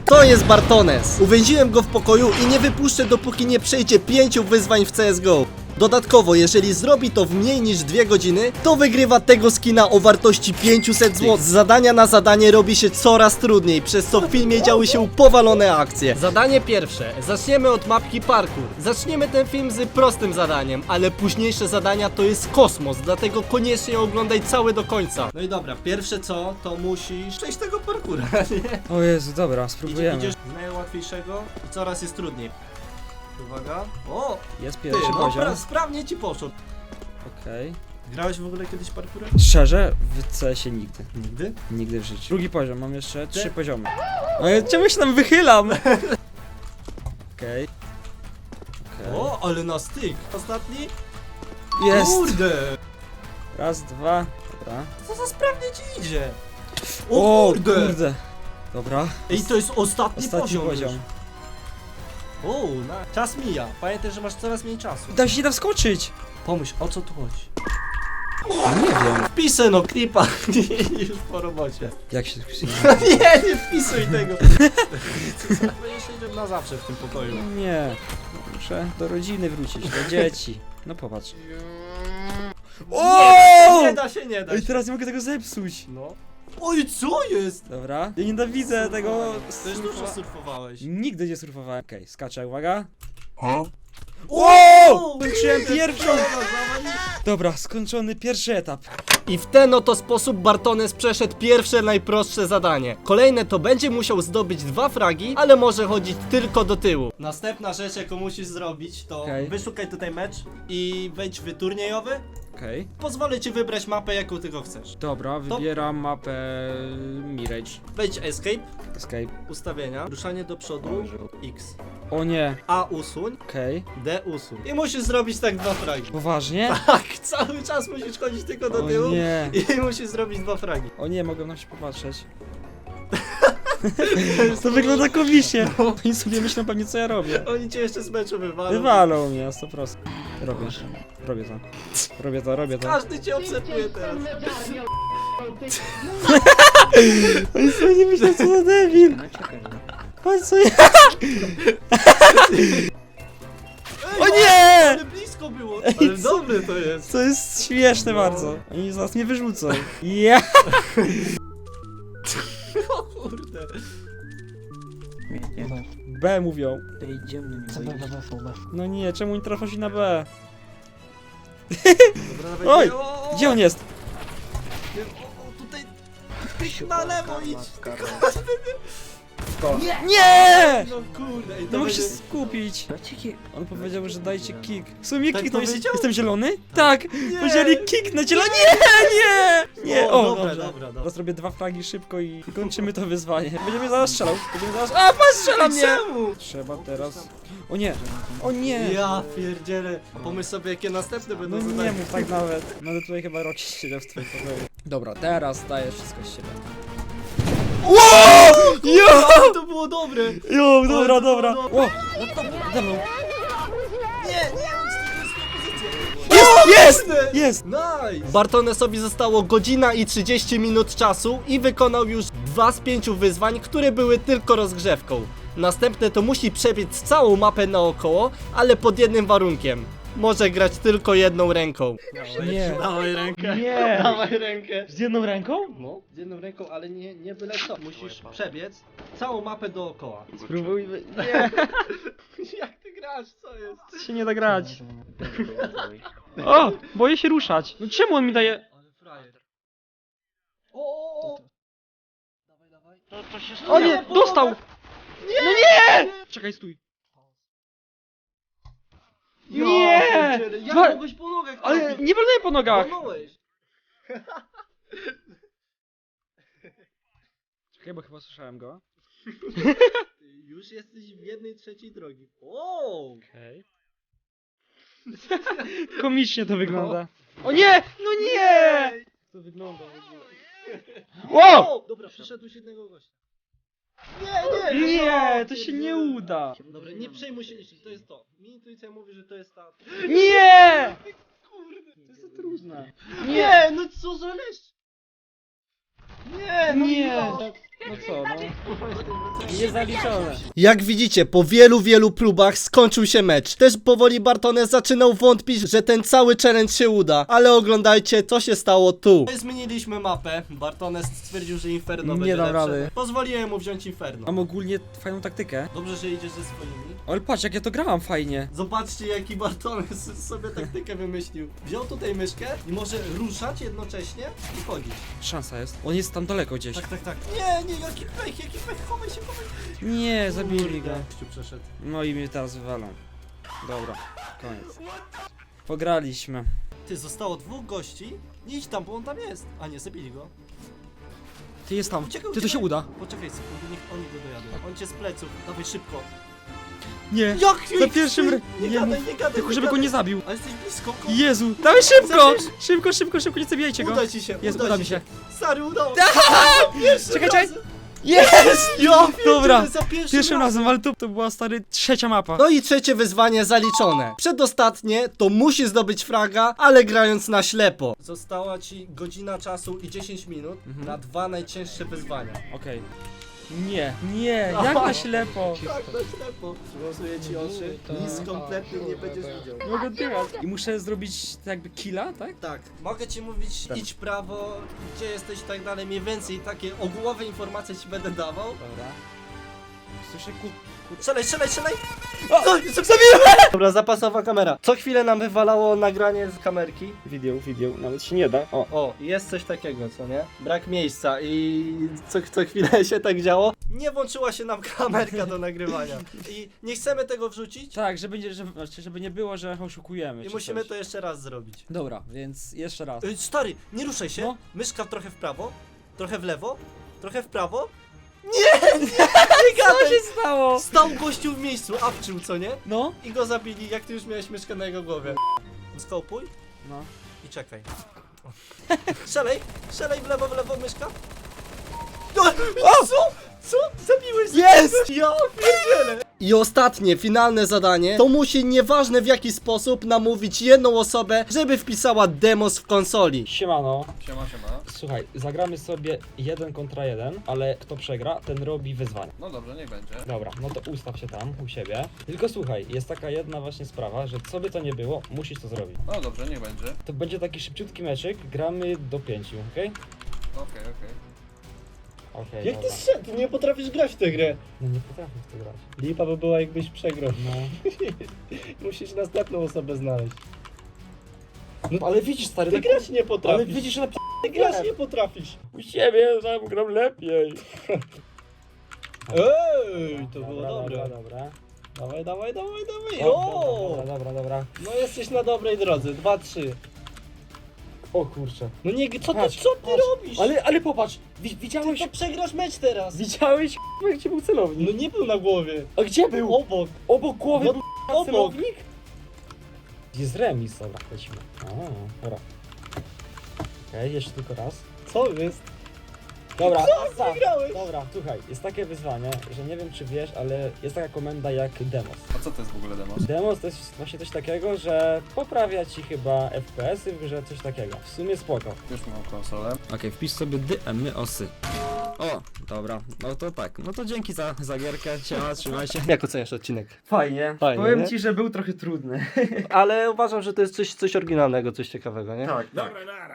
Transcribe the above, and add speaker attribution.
Speaker 1: To jest Bartones. Uwięziłem go w pokoju i nie wypuszczę, dopóki nie przejdzie 5 wyzwań w CSGO. Dodatkowo, jeżeli zrobi to w mniej niż 2 godziny, to wygrywa tego skina o wartości 500 zł. Z zadania na zadanie robi się coraz trudniej, przez co w filmie działy się powalone akcje. Zadanie pierwsze. Zaczniemy od mapki parkour. Zaczniemy ten film z prostym zadaniem, ale późniejsze zadania to jest kosmos, dlatego koniecznie oglądaj cały do końca. No i dobra, pierwsze co, to musisz przejść tego parkoura, nie?
Speaker 2: O Jezu, dobra, spróbujemy.
Speaker 1: Idziesz z najłatwiejszego i coraz jest trudniej. Uwaga. O!
Speaker 2: Jest
Speaker 1: Ty,
Speaker 2: pierwszy
Speaker 1: no
Speaker 2: poziom.
Speaker 1: sprawnie ci poszło.
Speaker 2: Okej.
Speaker 1: Grałeś w ogóle kiedyś parkourem?
Speaker 2: Szczerze, w CS-ie nigdy.
Speaker 1: Nigdy?
Speaker 2: Nigdy w życiu. Drugi poziom, mam jeszcze 3 poziomy. Ale czemu się tam wychylam? Okej.
Speaker 1: O, ale na styk. Ostatni?
Speaker 2: Jest!
Speaker 1: Kurde!
Speaker 2: Raz, dwa. Dobra.
Speaker 1: Co za sprawnie ci idzie?
Speaker 2: O,
Speaker 1: O kurde!
Speaker 2: kurde. Dobra.
Speaker 1: Ej, to jest ostatni
Speaker 2: Ostatni poziom.
Speaker 1: już. O, czas mija. Pamiętaj, że masz coraz mniej czasu.
Speaker 2: Tam się nie da wskoczyć!
Speaker 1: Pomyśl, o co tu chodzi?
Speaker 2: Nie wiem.
Speaker 1: Wpisy no, klipa. Już po robocie.
Speaker 2: Jak się...
Speaker 1: Nie wpisuj tego. Będziesz siedział na zawsze w tym pokoju.
Speaker 2: Nie. Muszę do rodziny wrócić, do dzieci. No popatrz.
Speaker 1: Nie da się, nie da
Speaker 2: Ej,
Speaker 1: się.
Speaker 2: teraz nie mogę tego zepsuć.
Speaker 1: No. Oj, co jest?
Speaker 2: Dobra. Ja nienawidzę tego...
Speaker 1: Też dużo surfowałeś.
Speaker 2: Nigdy nie surfowałem. Okej, skaczę, uwaga.
Speaker 1: Wow!
Speaker 2: Skończyłem pierwszą! Dobra, skończony pierwszy etap.
Speaker 1: I w ten oto sposób Bartones przeszedł pierwsze najprostsze zadanie. Kolejne to będzie musiał zdobyć 2 fragi, ale może chodzić tylko do tyłu. Następna rzecz, jaką musisz zrobić, to wyszukaj tutaj mecz i wejdź w turniejowy.
Speaker 2: Okej.
Speaker 1: Pozwolę ci wybrać mapę, jaką tylko chcesz.
Speaker 2: Dobra, wybieram mapę Mirage.
Speaker 1: Wejdź escape,
Speaker 2: Escape.
Speaker 1: ustawienia, ruszanie do przodu, X.
Speaker 2: O nie.
Speaker 1: A usuń,
Speaker 2: Okej.
Speaker 1: D usuń. I musisz zrobić tak 2 fragi.
Speaker 2: Poważnie?
Speaker 1: Tak, cały czas musisz chodzić tylko do
Speaker 2: O
Speaker 1: tyłu
Speaker 2: nie.
Speaker 1: i musisz zrobić 2 fragi.
Speaker 2: O nie, mogę na się popatrzeć. To wygląda komicznie. Oni sobie myślą pewnie co ja robię.
Speaker 1: Oni cię jeszcze z meczu wywalą.
Speaker 2: Wywalą mnie na 100%. Robię. Robię to. Robię to, robię to.
Speaker 1: Każdy cię obserwuje teraz.
Speaker 2: Oni sobie nie myślą co za debil. Patrz co ja... O nie!
Speaker 1: Ale blisko było. Ale dobre to jest.
Speaker 2: To jest śmieszne bardzo. Oni z nas nie wyrzucą. Ja!
Speaker 1: O kurde.
Speaker 2: B mówią.
Speaker 3: Co B.
Speaker 2: No nie, czemu nie trafią się na B?
Speaker 1: Dobra, dawaj.
Speaker 2: Oj!
Speaker 1: O,
Speaker 2: Gdzie on jest?
Speaker 1: o, tutaj. Na lewo idź.
Speaker 2: Nie!
Speaker 1: No kurde. Ej,
Speaker 2: Nie
Speaker 1: to
Speaker 2: mogę się
Speaker 1: będzie...
Speaker 2: skupić.
Speaker 3: Dajcie kick.
Speaker 2: On powiedział, że dajcie kick. W sumie
Speaker 1: Tak
Speaker 2: kiknął.
Speaker 1: powiedział?
Speaker 2: Jestem zielony? Tak!
Speaker 1: Nie.
Speaker 2: Powiedzieli kick na zielony. Nie! Nie!
Speaker 1: O,
Speaker 2: O,
Speaker 1: dobra,
Speaker 2: dobrze.
Speaker 1: dobra.
Speaker 2: Teraz robię 2 fragi szybko i kończymy to wyzwanie. Będziemy zaraz strzelał. Będziemy zaraz... A, pan strzela mnie!
Speaker 1: Czemu?
Speaker 2: Trzeba teraz... O nie! O nie!
Speaker 1: Ja pierdzielę. Pomyśl sobie, jakie następne będą
Speaker 2: No nie
Speaker 1: zadania.
Speaker 2: mów tak nawet. No ale tutaj chyba Rocky siedział w twoim pokoju. Dobra, teraz dajesz wszystko z siebie. Jo!
Speaker 1: Ale to było dobre.
Speaker 2: Jo, dobra,
Speaker 1: to
Speaker 2: dobra.
Speaker 1: było
Speaker 2: O! Nade mną.
Speaker 1: Nie,
Speaker 2: Jest! Jest!
Speaker 1: Nice! Bartonesowi zostało godzina i 30 minut czasu i wykonał już 2 z 5 wyzwań, które były tylko rozgrzewką. Następne to musi przebiec całą mapę naokoło, ale pod jednym warunkiem. Może grać tylko jedną ręką.
Speaker 2: Nie.
Speaker 1: Dawaj rękę.
Speaker 2: Nie.
Speaker 1: Dawaj rękę.
Speaker 2: Z jedną ręką?
Speaker 1: No, z jedną ręką, ale nie byle co. Musisz przebiec całą mapę dookoła.
Speaker 2: Spróbujmy. Nie.
Speaker 1: Jak ty grasz? Co jest?
Speaker 2: Się nie da grać. O! Boję się ruszać. No czemu on mi daje...
Speaker 1: Ale frajer. O! Dawaj, dawaj.
Speaker 3: To się
Speaker 2: O nie! Dostał!
Speaker 1: Nie!
Speaker 2: No nie! Czekaj, stój. Nie!
Speaker 1: Ja
Speaker 2: Dwa-
Speaker 1: mogłeś po nogach
Speaker 2: Ale
Speaker 1: trafić.
Speaker 2: nie wolno po nogach!
Speaker 1: Walnąłeś.
Speaker 2: Czekaj, bo chyba słyszałem go.
Speaker 1: Ty już jesteś w 1/3 drogi. O!
Speaker 2: Okej. Komicznie to wygląda. O nie! No nie! To wygląda w ogóle. Wow!
Speaker 1: Dobra, przyszedł jednego gościa.
Speaker 2: Nie, to się nie uda.
Speaker 1: Dobra, nie przejmuj się niczym, to jest to. Mi intuicja mówi, że to jest ta...
Speaker 2: Nie!
Speaker 1: Kurde,
Speaker 2: To jest za trudne.
Speaker 1: Nie, no co za leszcz? Nie, no
Speaker 2: Nie.
Speaker 1: ja.
Speaker 2: No co, no. Niezaliczone.
Speaker 1: Jak widzicie, po wielu próbach skończył się mecz. Też powoli Bartones zaczynał wątpić, że ten cały challenge się uda. Ale oglądajcie, co się stało tu. Zmieniliśmy mapę. Bartones stwierdził, że Inferno
Speaker 2: Nie
Speaker 1: będzie
Speaker 2: dam
Speaker 1: lepsze.
Speaker 2: rady.
Speaker 1: Pozwoliłem mu wziąć Inferno.
Speaker 2: Mam ogólnie fajną taktykę.
Speaker 1: Dobrze, że idziesz ze swoimi.
Speaker 2: Ale patrz, jak ja to grałam fajnie.
Speaker 1: Zobaczcie, jaki Bartones sobie taktykę wymyślił. Wziął tutaj myszkę i może ruszać jednocześnie i chodzić.
Speaker 2: Szansa jest. On jest tam daleko gdzieś.
Speaker 1: Tak. Nie, jaki pech, chowaj się.
Speaker 2: Nie, zabili go.
Speaker 1: Gościu przeszedł.
Speaker 2: No i mnie teraz wywalą. Dobra, koniec. Pograliśmy.
Speaker 1: Ty, zostało 2 gości. Nie idź tam, bo on tam jest. A nie, zabili go.
Speaker 2: Ty jest tam.
Speaker 1: Uciekaj,
Speaker 2: Ty to się uda.
Speaker 1: Poczekaj sekundę, niech oni go dojadą. On cię z pleców. Dawaj szybko.
Speaker 2: Nie.
Speaker 1: Jak
Speaker 2: Za pierwszym
Speaker 1: Nie
Speaker 2: nie
Speaker 1: gadaj,
Speaker 2: mów.
Speaker 1: nie gadaj.
Speaker 2: Tylko
Speaker 1: nie
Speaker 2: żeby go
Speaker 1: gadaj.
Speaker 2: nie zabił.
Speaker 1: Ale jesteś blisko.
Speaker 2: Jezu, dawaj szybko!
Speaker 1: Zabierz.
Speaker 2: Szybko, nie zabijajcie go.
Speaker 1: Uda ci się,
Speaker 2: Jest,
Speaker 1: uda
Speaker 2: uda
Speaker 1: ci
Speaker 2: mi się.
Speaker 1: Stary, udało.
Speaker 2: Czekaj. Jest!
Speaker 1: Ja
Speaker 2: Dobra,
Speaker 1: za
Speaker 2: pierwszym razem, ale to była stary 3. mapa.
Speaker 1: No i trzecie wyzwanie zaliczone. Przedostatnie to musi zdobyć fraga, ale grając na ślepo. Została ci godzina czasu i 10 minut na 2 najcięższe wyzwania.
Speaker 2: Okej. Nie, jak na ślepo.
Speaker 1: Tak, na ślepo. Przyłosuję ci oczy. Nic kompletnie nie będziesz widział.
Speaker 2: Mogę dychać. I muszę zrobić tak jakby killa, tak?
Speaker 1: Tak, mogę ci mówić idź prawo, gdzie jesteś i tak dalej, mniej więcej takie ogółowe informacje ci będę dawał.
Speaker 2: Dobra. Słyszę
Speaker 1: Strzelaj!
Speaker 2: O!
Speaker 1: Zabiłem! Dobra, zapasowa kamera. Co chwilę nam wywalało nagranie z kamerki.
Speaker 2: Video, nawet się nie da.
Speaker 1: O, jest coś takiego, co nie? Brak miejsca i co chwilę się tak działo. Nie włączyła się nam kamerka do nagrywania. I nie chcemy tego wrzucić
Speaker 2: Tak, żeby nie było, że oszukujemy.
Speaker 1: i
Speaker 2: czy
Speaker 1: musimy
Speaker 2: coś.
Speaker 1: to jeszcze raz zrobić.
Speaker 2: Dobra, więc jeszcze raz.
Speaker 1: Stary, nie ruszaj się.
Speaker 2: No.
Speaker 1: Myszka trochę w prawo, trochę w lewo, trochę w prawo. Nie
Speaker 2: Co
Speaker 1: gadaj!
Speaker 2: się stało?
Speaker 1: Stał gościu w miejscu, awczył, co nie?
Speaker 2: No.
Speaker 1: I go zabili, jak ty już miałeś myszkę na jego głowie. Skopuj
Speaker 2: No.
Speaker 1: i czekaj. Strzelaj w lewo myszka. Co? Zabiłeś?
Speaker 2: Jest!
Speaker 1: Ja pierdzielę! I ostatnie, finalne zadanie, to musi nieważne w jaki sposób namówić jedną osobę, żeby wpisała demos w konsoli.
Speaker 2: Siemano.
Speaker 3: Siema.
Speaker 2: Słuchaj, zagramy sobie 1 kontra 1, ale kto przegra, ten robi wyzwanie.
Speaker 3: No dobrze, niech będzie.
Speaker 2: Dobra, no to ustaw się tam u siebie. Tylko słuchaj, jest taka jedna właśnie sprawa, że co by to nie było, musisz to zrobić.
Speaker 3: No dobrze, niech będzie.
Speaker 2: To będzie taki szybciutki meczyk, gramy do 5, okej?
Speaker 3: Okej.
Speaker 2: Okej, dobra.
Speaker 1: Ty nie potrafisz grać w tę grę.
Speaker 2: No nie potrafię w to grać.
Speaker 1: Lipa by była jakbyś przegrał.
Speaker 2: No.
Speaker 1: Musisz następną osobę znaleźć.
Speaker 2: No ale widzisz stary,
Speaker 1: Ty
Speaker 2: tak...
Speaker 1: grać nie potrafisz.
Speaker 2: Ale widzisz, że
Speaker 1: Ty grać nie potrafisz.
Speaker 2: u siebie tam gram lepiej.
Speaker 1: Ej, to było
Speaker 2: Dobra,
Speaker 1: dobre.
Speaker 2: dobra.
Speaker 1: Dawaj.
Speaker 2: O, dobra.
Speaker 1: No jesteś na dobrej drodze. 2-3.
Speaker 2: O kurczę.
Speaker 1: No nie, co ty
Speaker 2: Patrz.
Speaker 1: robisz?
Speaker 2: Ale popatrz,
Speaker 1: Ty
Speaker 2: widziałeś...
Speaker 1: to przegrasz mecz teraz.
Speaker 2: Widziałeś gdzie był celownik?
Speaker 1: No nie był na głowie.
Speaker 2: A gdzie był?
Speaker 1: Obok.
Speaker 2: Obok głowy
Speaker 1: No,
Speaker 2: był
Speaker 1: obok.
Speaker 2: celownik? Jest remis, dobra, lecimy. Dobra. Okej, jeszcze tylko raz.
Speaker 1: Co jest?
Speaker 2: Dobra,
Speaker 1: Wygrałeś.
Speaker 2: dobra, słuchaj, jest takie wyzwanie, że nie wiem czy wiesz, ale jest taka komenda jak demos.
Speaker 3: A co to jest w ogóle demos?
Speaker 2: Demos to jest właśnie coś takiego, że poprawia ci chyba FPS-y w grze, coś takiego. W sumie spoko.
Speaker 3: Już mam konsolę.
Speaker 2: Okej, wpisz sobie DMosy. O, dobra, no to tak, no to dzięki za gierkę, siema, trzymaj się.
Speaker 1: Jak oceniasz odcinek?
Speaker 2: Fajnie,
Speaker 1: Fajnie,
Speaker 2: powiem
Speaker 1: nie?
Speaker 2: ci, że był trochę trudny.
Speaker 1: Ale uważam, że to jest coś oryginalnego, coś ciekawego, nie?
Speaker 2: Tak.
Speaker 3: Dobra, nara.